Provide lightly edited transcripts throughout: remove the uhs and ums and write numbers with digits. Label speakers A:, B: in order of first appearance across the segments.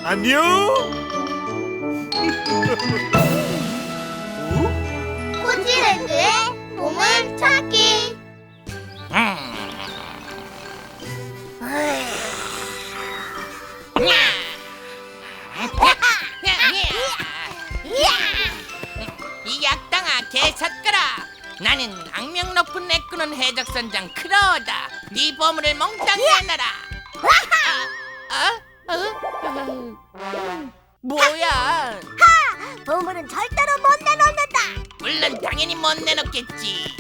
A: 안녕.
B: 포지랜드의 보물 찾기.
C: 이 악당아 개삿거라. 나는 악명 높은 애꾸는 해적선장 크로우다. 네 보물을 몽땅 내놔라. 뭐야?
B: 보물은 절대로 못 내놓는다.
C: 물론 당연히 못 내놓겠지.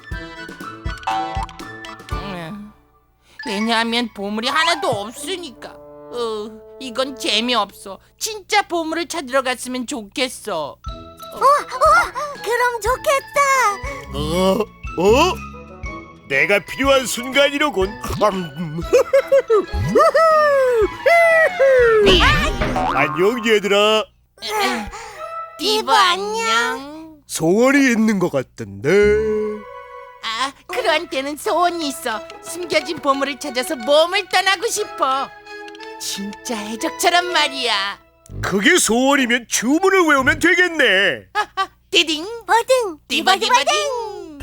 C: 왜냐하면 보물이 하나도 없으니까. 이건 재미없어. 진짜 보물을 찾으러 갔으면 좋겠어.
B: 그럼 좋겠다.
A: 내가 필요한 순간이로군. 안녕 얘들아.
C: 디보 안녕.
A: 소원이 있는 것 같던데.
C: 크로한테는 소원이 있어. 숨겨진 보물을 찾아서 몸을 떠나고 싶어. 진짜 해적처럼 말이야.
A: 그게 소원이면 주문을 외우면 되겠네.
C: 디딩
B: 버딩
C: 디버디버딩.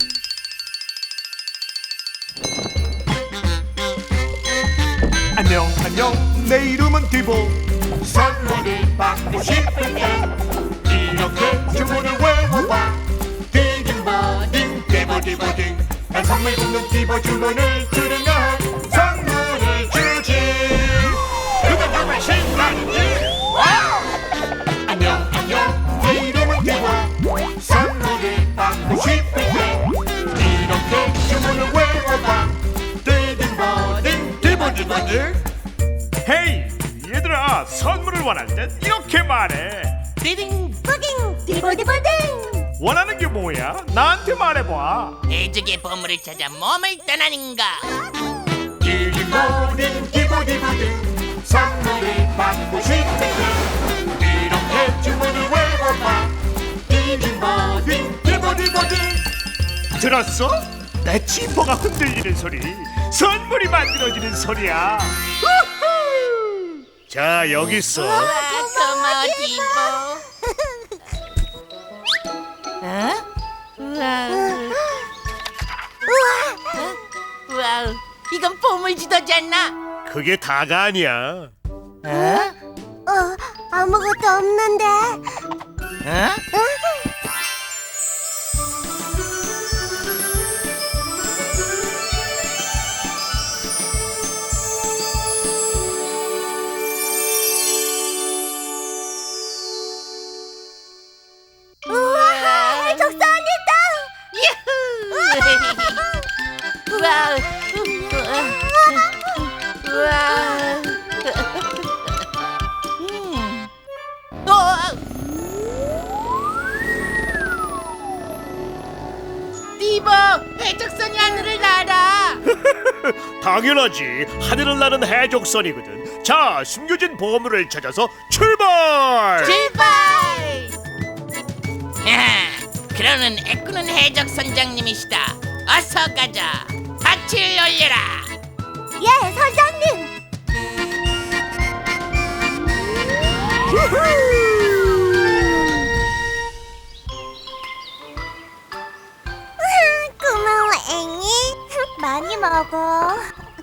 A: 안녕 내 이름은 디보.
D: 선물을 받고 싶을 때 이렇게 주문을 외워봐. 디딩버딩 디버디버딩. 난 선물 굽는 디버 주문을 들으면 선물을 주지. 그건 정말 신나는지. 안녕 내 이름은 디보. 선물을 받고 싶을 때 이렇게 주문을 외워봐. 디딩버딩 디버디버딩.
A: 헤이 얘들아, 선물을 원할 땐 이렇게 말해.
C: 디딩.
B: 버딩 디버디버딩.
A: 원하는 게 뭐야? 나한테 말해봐.
C: 해적의 보물을 찾아 몸을 떠나는가.
D: 디딩버딩 디버디버딩. 선물을 받고 싶을 때 이렇게 주문을 외워봐. 디딩버딩 디버디버딩.
A: 들었어? 내 지퍼가 흔들리는 소리, 선물이 만들어지는 소리야. 우후! 자, 여기 있어.
C: 고마워 디보. 우와, 이건 보물 지도잖아.
A: 그게 다가 아니야.
B: 아무것도 없는데. 우와, 해적선이다.
C: 우와, 우와. 디보, 해적선이 하늘을 날아.
A: 당연하지. 하늘을 나는 해적선이거든. 자, 숨겨진 보물을 찾아서 출발.
C: 출발! 그러는 애꾸는 해적 선장님이시다. 어서 가자. 밭을 올려라.
B: 예, 선장님. 고마워, 앵이. 많이 먹어.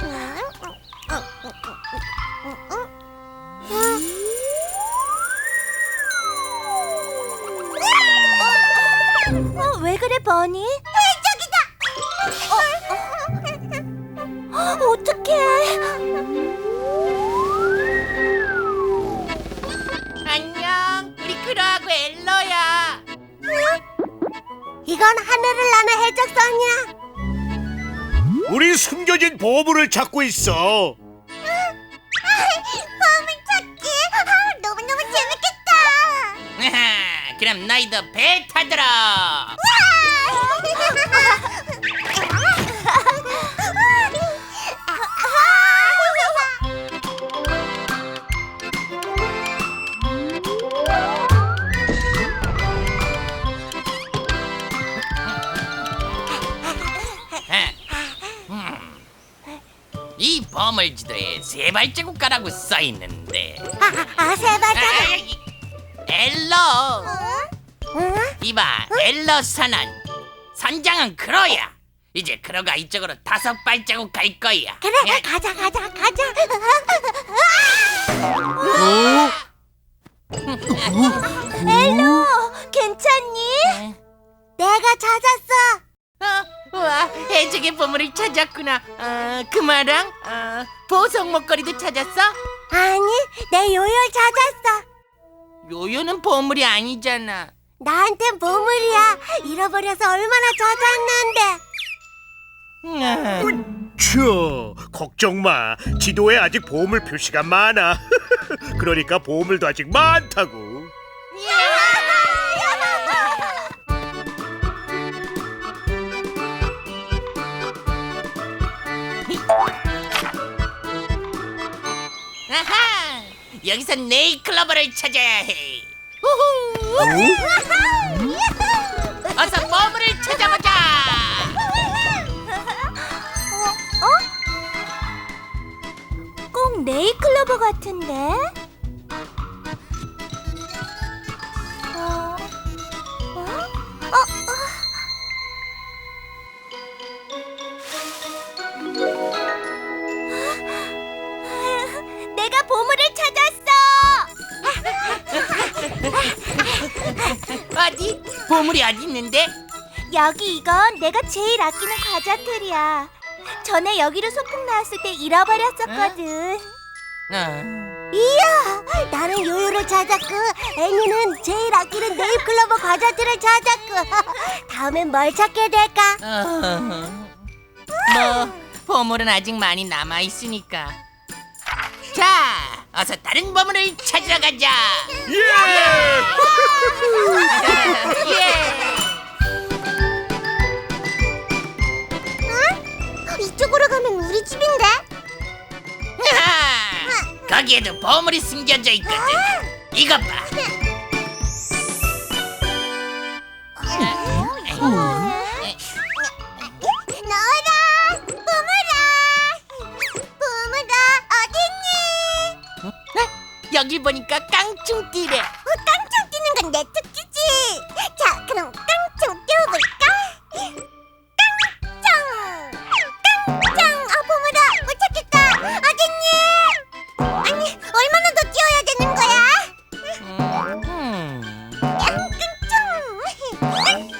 B: 왜 그래, 버니? 해적이다. 어떡해.
C: 안녕. 우리 크로하고 엘로야.
B: 이건 하늘을 나는 해적선이야.
A: 우리 숨겨진 보물을 찾고 있어.
B: 보물 찾기. 너무너무 재밌겠다.
C: 그럼 너희도 배 타더라. 이 보물지도에 세 발자국가라고 써 있는데.
B: 세 발자국.
C: 엘러.
B: 응?
C: 이봐, 엘러 선언. 선장은 크로야. 이제 크로가 이쪽으로 5발자국 갈 거야.
B: 그래,
C: 예?
B: 가자. 엘로, 괜찮니? 내가 찾았어.
C: 우와, 해적의 보물을 찾았구나. 금화랑 보석 목걸이도 찾았어?
B: 아니, 내 요요 찾았어.
C: 요요는 보물이 아니잖아.
B: 나한텐 보물이야. 잃어버려서 얼마나 찾았는데.
A: 쵸, 걱정 마. 지도에 아직 보물 표시가 많아. 그러니까 보물도 아직 많다고.
C: 아하! 여기서 네일클로버를 찾아야 해. 어서 보물을 찾아보자.
B: 꼭 네일클로버 같은데? 내가 보물을 찾았어!
C: 어디? 보물이 어디 있는데?
B: 여기 이건 내가 제일 아끼는 과자틀이야. 전에 여기로 소풍 나왔을 때 잃어버렸었거든. 이야, 나는 요요를 찾았고 애니는 제일 아끼는 네잎클로버 과자들을 찾았고 다음엔 뭘 찾게 될까?
C: 뭐 보물은 아직 많이 남아 있으니까. 자, 어서 다른 보물을 찾으러 가자.
A: 예!
C: 예.
B: 이쪽으로 가면 우리 집인데?
C: 아하! 거기에도 보물이 숨겨져 있거든. 이것 봐.
B: 너라! 보물아! 어딨니?
C: 여기 보니까 깡충띠래.
B: 깡총 뛰는 건 내 특기지. 자, 그럼 깡총 뛰어볼까? 깡총! 보물아, 못 찾겠다. 어딨니? 아니, 얼마나 더 뛰어야 되는 거야? 깡총!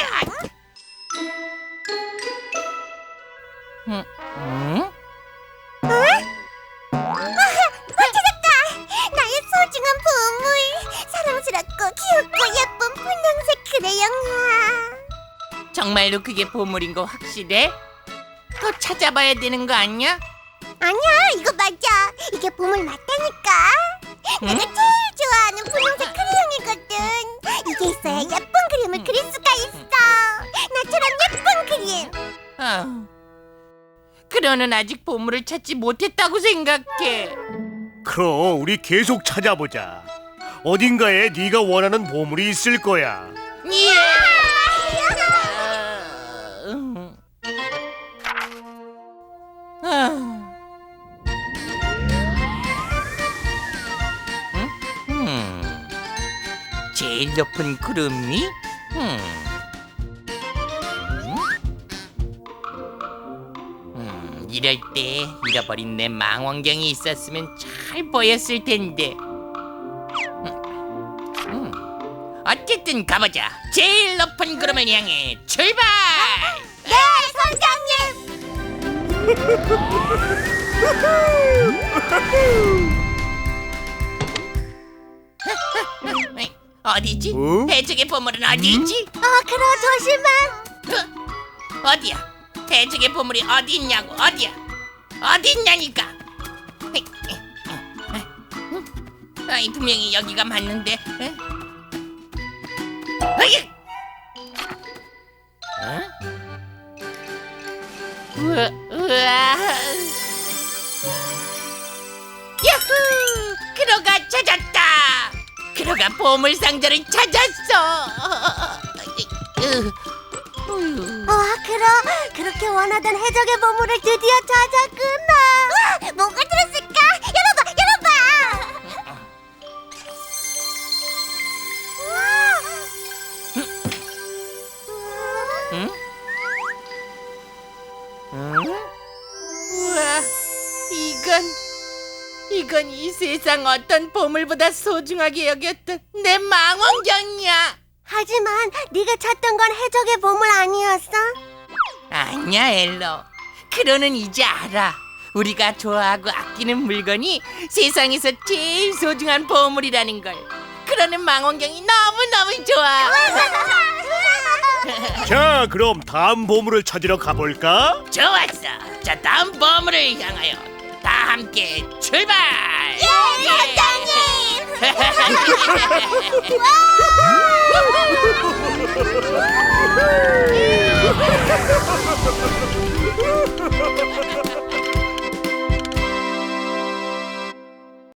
B: 찾았다! 나의 소중한 보물! 사랑스럽고 귀엽고 예쁜 분홍색 크레용이야.
C: 정말로 그게 보물인 거 확실해? 또 찾아봐야 되는 거 아니야?
B: 아니야, 이거 맞아. 이게 보물 맞다니까. 내가 제일 좋아하는 분홍색 크레용이거든. 이게 있어야 예쁜 그림을 그릴 수가 있어. 나처럼 예쁜 그림.
C: 크로는 아직 보물을 찾지 못했다고 생각해.
A: 그럼 우리 계속 찾아보자. 어딘가에 네가 원하는 보물이 있을 거야.
C: 예! 제일 높은 구름 위? 이럴 때 잃어버린 내 망원경이 있었으면 잘 보였을 텐데. 어쨌든 가보자. 제일 높은 구름을 향해 출발!
B: 네, 선장님.
C: 어디지?
A: 어?
C: 해적의 보물은 어디지?
B: 그럼 조심해.
C: 어디야? 해적의 보물이 어디 있냐고? 어디야? 어디 있냐니까? 아이 분명히 여기가 맞는데. 우와. 야후! 크로가 찾았다. 크로가 보물 상자를 찾았어.
B: 그럼 그렇게 원하던 해적의 보물을 드디어 찾았구나.
C: 이건 이 세상 어떤 보물보다 소중하게 여겼던 내 망원경이야.
B: 하지만 네가 찾던 건 해적의 보물 아니었어?
C: 아니야, 엘로. 크로는 이제 알아. 우리가 좋아하고 아끼는 물건이 세상에서 제일 소중한 보물이라는 걸. 크로는 망원경이 너무너무 좋아.
A: 자, 그럼 다음 보물을 찾으러 가볼까?
C: 좋았어. 자, 다음 보물을 향하여 다 함께 출발.
B: 사장님!